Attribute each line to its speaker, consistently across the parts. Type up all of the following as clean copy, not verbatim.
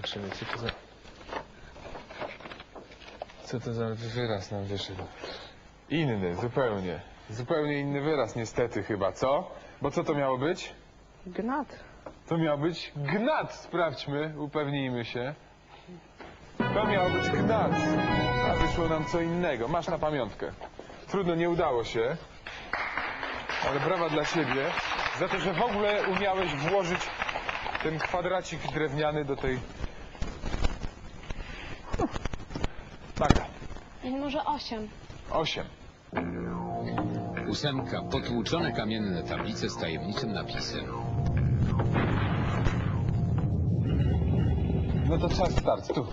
Speaker 1: zobaczymy, co to za wyraz nam wyszedł. Inny, zupełnie. Zupełnie inny wyraz, niestety chyba, co? Bo co to miało być?
Speaker 2: Gnat.
Speaker 1: To miał być gnat. Sprawdźmy, upewnijmy się. To miał być gnat. A wyszło nam co innego. Masz na pamiątkę. Trudno, nie udało się. Ale brawa dla ciebie za to, że w ogóle umiałeś włożyć ten kwadracik drewniany do tej... Magda.
Speaker 3: Może 8.
Speaker 1: 8.
Speaker 4: 8. Potłuczone kamienne tablice z tajemniczym napisem.
Speaker 1: No to czas start, tu.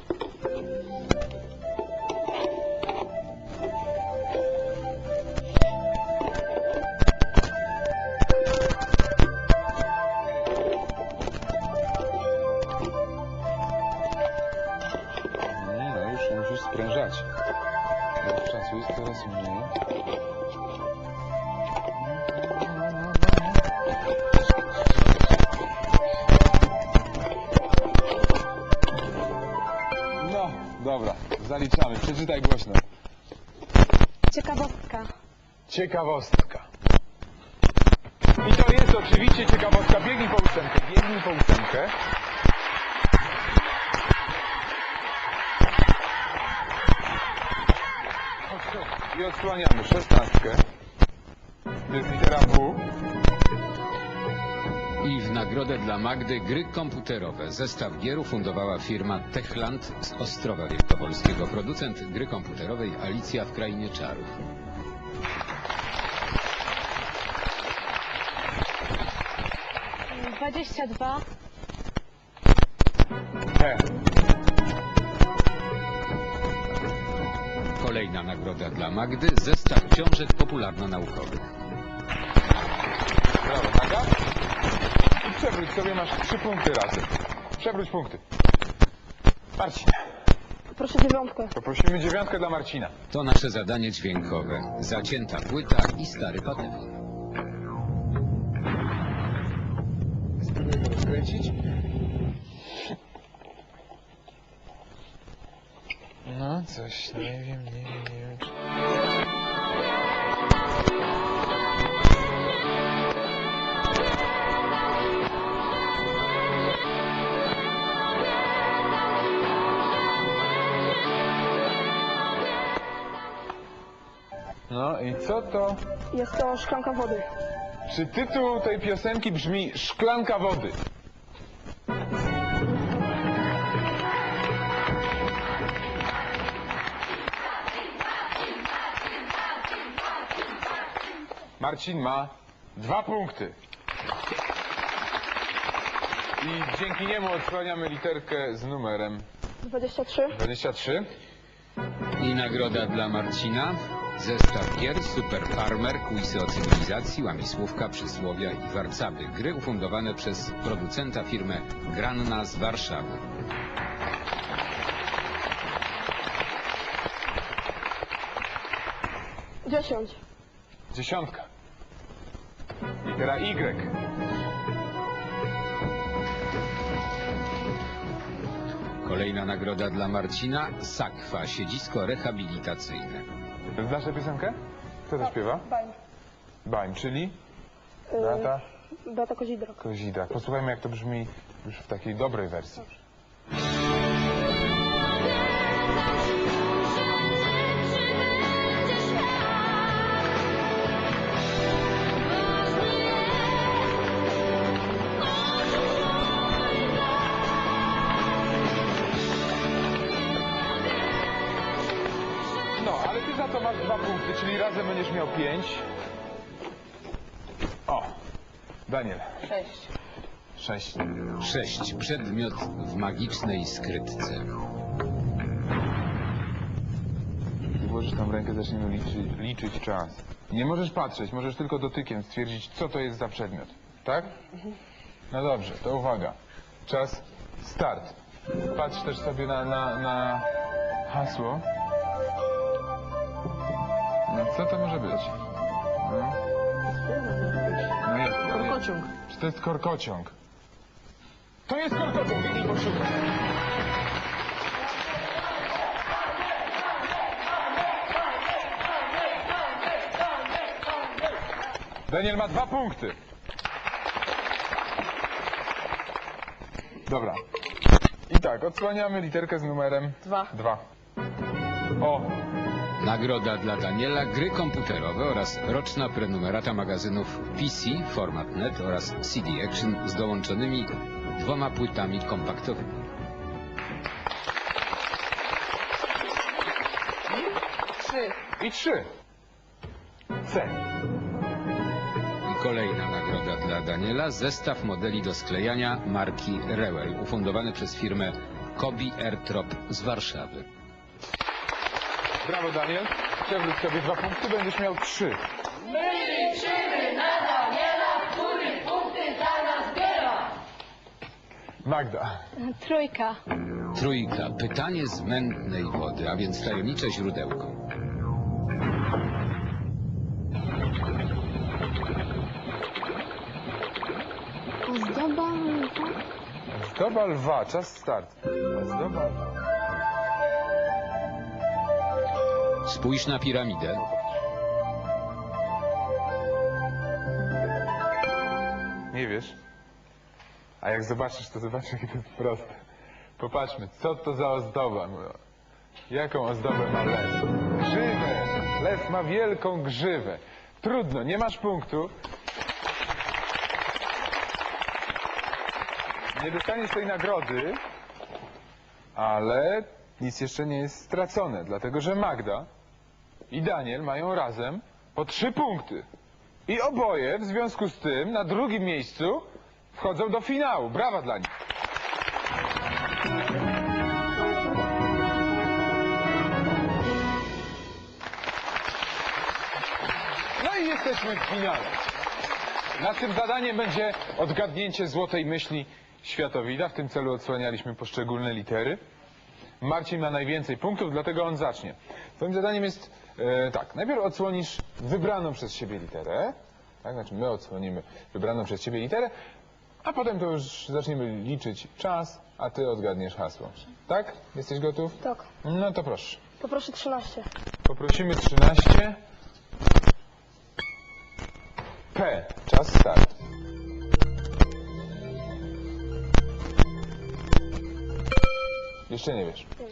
Speaker 1: No już musisz sprężać. Już czasu jest coraz mniej. No, dobra, zaliczamy. Przeczytaj głośno.
Speaker 3: Ciekawostka.
Speaker 1: Ciekawostka. I to jest oczywiście ciekawostka. Biegnij po ósemkę, biegnij po ósemkę. I odsłaniamy 16. To jest litera W.
Speaker 4: I w nagrodę dla Magdy gry komputerowe. Zestaw gier ufundowała firma Techland z Ostrowa Wielkopolskiego. Producent gry komputerowej Alicja w Krainie Czarów.
Speaker 3: Yy, 22.
Speaker 1: He.
Speaker 4: Kolejna nagroda dla Magdy. Zestaw książek popularno-naukowych.
Speaker 1: Brawo, Maga. I przewróć sobie, masz 3 punkty razem. Przewróć punkty. Marcin.
Speaker 2: Proszę 9.
Speaker 1: Poprosimy 9 dla Marcina.
Speaker 4: To nasze zadanie dźwiękowe. Zacięta płyta i stary patefon.
Speaker 1: Spróbuję go rozkręcić. No, coś, nie wiem. No i co to?
Speaker 2: Jest to szklanka wody.
Speaker 1: Czy tytuł tej piosenki brzmi Szklanka wody? Marcin ma 2 punkty. I dzięki niemu odsłaniamy literkę z numerem
Speaker 2: 23.
Speaker 1: 23.
Speaker 4: I nagroda dla Marcina. Zestaw gier Super Farmer, quizy o cywilizacji, łamisłówka, przysłowia i warcaby. Gry ufundowane przez producenta firmę Granna z Warszawy.
Speaker 2: Dziesiąć.
Speaker 1: 10. Litera Y.
Speaker 4: Kolejna nagroda dla Marcina. Sakwa, siedzisko rehabilitacyjne.
Speaker 1: Znasz tę piosenkę? Kto to śpiewa?
Speaker 2: Bań.
Speaker 1: Bań, czyli? Beata
Speaker 2: Beata Kozidrak.
Speaker 1: Kozidrak. Posłuchajmy, jak to brzmi już w takiej dobrej wersji. No, ale ty za to masz 2 punkty, czyli razem będziesz miał 5. O, Daniel.
Speaker 2: 6.
Speaker 1: 6.
Speaker 4: 6. Przedmiot w magicznej skrytce.
Speaker 1: Gdy włożysz tam rękę, zaczniemy liczyć czas. Nie możesz patrzeć, możesz tylko dotykiem stwierdzić, co to jest za przedmiot. Tak? No dobrze, to uwaga. Czas start. Patrz też sobie na hasło. No, co to może być? No. No jest,
Speaker 2: Korkociąg.
Speaker 1: Czy to jest korkociąg? To jest korkociąg, nie poszukaj. Daniel ma 2 punkty. Dobra. I tak, odsłaniamy literkę z numerem
Speaker 2: 2.
Speaker 1: 2. O,
Speaker 4: Nagroda dla Daniela, gry komputerowe oraz roczna prenumerata magazynów PC, Format Net oraz CD Action z dołączonymi 2 płytami kompaktowymi.
Speaker 2: 3.
Speaker 1: i 3. C.
Speaker 4: I kolejna nagroda dla Daniela, zestaw modeli do sklejania marki Rewel, ufundowany przez firmę Kobi Airtrop z Warszawy.
Speaker 1: Brawo, Daniel. Przewróć sobie 2 punkty, będziesz miał 3.
Speaker 5: My liczymy na Daniela, który punkty za nas zbiera.
Speaker 1: Magda.
Speaker 3: 3.
Speaker 4: Trójka, pytanie z mętnej wody, a więc tajemnicze źródełko.
Speaker 3: Ozdoba
Speaker 1: Ozdoba lwa, czas start. Ozdoba lwa.
Speaker 4: Spójrz na piramidę.
Speaker 1: Nie wiesz? A jak zobaczysz, to zobaczysz, jakie to jest proste. Popatrzmy, co to za ozdoba? Jaką ozdobę ma lew? Grzywę! Lew ma wielką grzywę. Trudno, nie masz punktu. Nie dostaniesz tej nagrody, ale nic jeszcze nie jest stracone, dlatego że Magda i Daniel mają razem po 3 punkty. I oboje w związku z tym na drugim miejscu wchodzą do finału. Brawa dla nich. No i jesteśmy w finale. Naszym zadaniem będzie odgadnięcie złotej myśli światowida. W tym celu odsłanialiśmy poszczególne litery. Marcin ma najwięcej punktów, dlatego on zacznie. Twoim zadaniem jest tak, najpierw odsłonisz wybraną przez siebie literę, tak, znaczy my odsłonimy wybraną przez siebie literę, a potem to już zaczniemy liczyć czas, a ty odgadniesz hasło. Tak? Jesteś gotów?
Speaker 2: Tak.
Speaker 1: No to proszę.
Speaker 2: Poproszę 13.
Speaker 1: Poprosimy 13. P. Czas start. Jeszcze nie wiesz.